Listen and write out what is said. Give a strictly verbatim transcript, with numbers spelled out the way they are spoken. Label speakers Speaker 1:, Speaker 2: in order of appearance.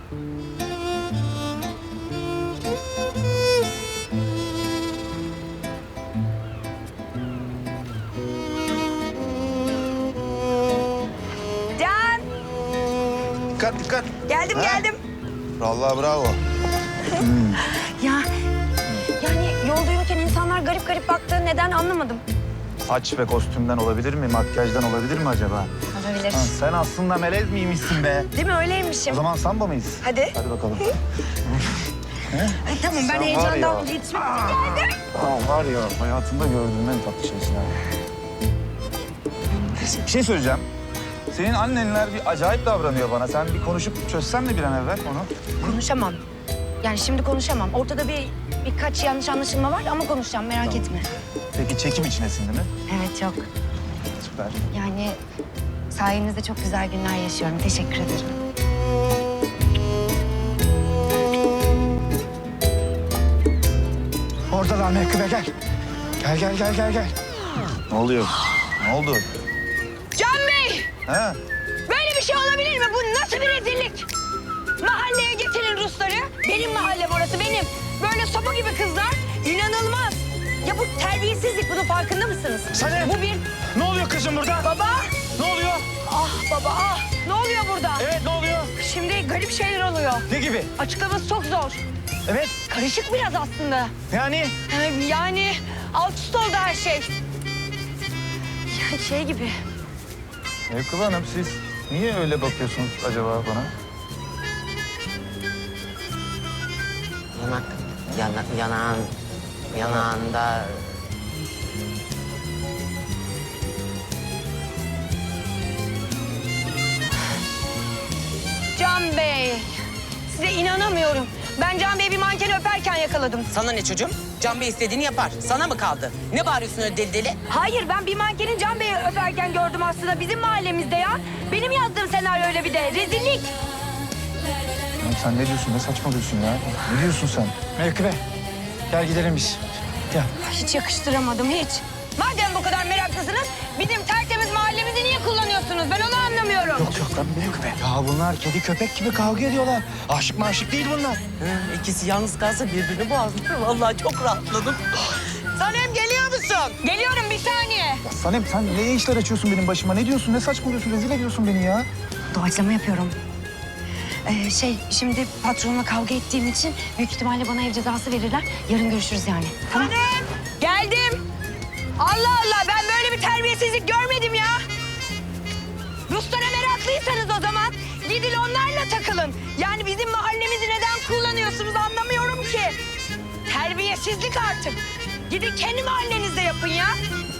Speaker 1: Can!
Speaker 2: Dikkat dikkat.
Speaker 1: Geldim
Speaker 2: Ha?
Speaker 1: geldim.
Speaker 2: Vallahi bravo.
Speaker 1: Ya yani yolda yürürken insanlar garip garip baktı. Neden anlamadım.
Speaker 3: Saç ve kostümden olabilir mi? Makyajdan olabilir mi acaba?
Speaker 1: Olabilir.
Speaker 3: Ha, sen aslında melez miymişsin be?
Speaker 1: Değil mi? Öyleymişim.
Speaker 3: O zaman samba mıyız?
Speaker 1: Hadi.
Speaker 3: Hadi bakalım.
Speaker 1: Ay, tamam ben
Speaker 3: Sen var
Speaker 1: heyecandan
Speaker 3: ya.
Speaker 1: iletişime geldim.
Speaker 3: Aa, var ya hayatımda gördüğüm en tatlı şeysin ha. Bir şey söyleyeceğim. Senin annenler bir acayip davranıyor bana. Sen bir konuşup çözsen mi bir an evvel onu?
Speaker 1: Konuşamam. Yani şimdi konuşamam. Ortada bir birkaç yanlış anlaşılma var ama konuşacağım merak
Speaker 3: Tamam.
Speaker 1: etme.
Speaker 3: Peki çekim içinesin değil mi?
Speaker 1: Evet çok.
Speaker 3: Süper.
Speaker 1: Yani sayenizde çok güzel günler yaşıyorum. Teşekkür ederim.
Speaker 4: Oradalar Mekkıbe gel. Gel gel gel gel gel.
Speaker 3: Ne oluyor? Ne oldu?
Speaker 1: Can Bey!
Speaker 3: Ha?
Speaker 1: Böyle bir şey olabilir mi? Bu nasıl bir rezillik? Mahalleye getirin Rusları. Benim mahalle burası, benim. Böyle sopa gibi kızlar. İnanılmaz. Ya bu terbiyesizlik, bunun farkında mısınız?
Speaker 4: Sanem!
Speaker 1: Bu bir...
Speaker 4: Ne oluyor kızım burada?
Speaker 1: Baba!
Speaker 4: Ne oluyor?
Speaker 1: Ah baba ah! Ne oluyor burada?
Speaker 4: Evet ne oluyor?
Speaker 1: Şimdi garip şeyler oluyor.
Speaker 4: Ne gibi?
Speaker 1: Açıklaması çok zor.
Speaker 4: Evet
Speaker 1: Karışık biraz aslında.
Speaker 4: yani
Speaker 1: Ee, Yani alt üst oldu her şey. Ya şey gibi.
Speaker 3: Mevkıbe Hanım siz niye öyle bakıyorsunuz acaba bana?
Speaker 5: Yanak, yana, yanağın, yanağında...
Speaker 1: Can Bey. Size inanamıyorum. Ben Can Bey'i bir mankeni öperken yakaladım.
Speaker 5: Sana ne çocuğum? Can Bey istediğini yapar. Sana mı kaldı? Ne bağırıyorsun öyle deli deli?
Speaker 1: Hayır ben bir mankenin Can Bey'i öperken gördüm aslında bizim mahallemizde ya. Benim yazdığım senaryo öyle bir de. Rezillik.
Speaker 3: Oğlum sen ne diyorsun? Ne saçmalıyorsun ya? Ne diyorsun sen?
Speaker 4: Mekkıbe gel gidelim biz. Gel.
Speaker 1: Hiç yakıştıramadım hiç. Madem bu kadar meraklısınız bizim tertemiz mahallemizi niye kullanıyorsunuz? Ben onu anlamıyorum.
Speaker 4: Yok yok lan Mekkıbe. Ya bunlar kedi köpek gibi kavga ediyorlar. Aşık maşık değil bunlar.
Speaker 5: Hı, ikisi yalnız kalsa birbirini boğazlar. Vallahi çok rahatladım. Sanem geliyor musun?
Speaker 1: Geliyorum bir saniye.
Speaker 3: Ya Sanem sen ne işler açıyorsun benim başıma? Ne diyorsun? Ne saçmalıyorsun? Rezil ediyorsun beni ya.
Speaker 1: Doğaçlama yapıyorum. Ee, şey şimdi patronla kavga ettiğim için büyük ihtimalle bana ev cezası verirler. Yarın görüşürüz yani. Tamam. Geldim. Allah Allah ben böyle bir terbiyesizlik görmedim ya. Ruslara meraklıysanız o zaman gidin onlarla takılın. Yani bizim mahallemizi neden kullanıyorsunuz anlamıyorum ki. Terbiyesizlik artık. Gidin kendi mahallenizde yapın ya.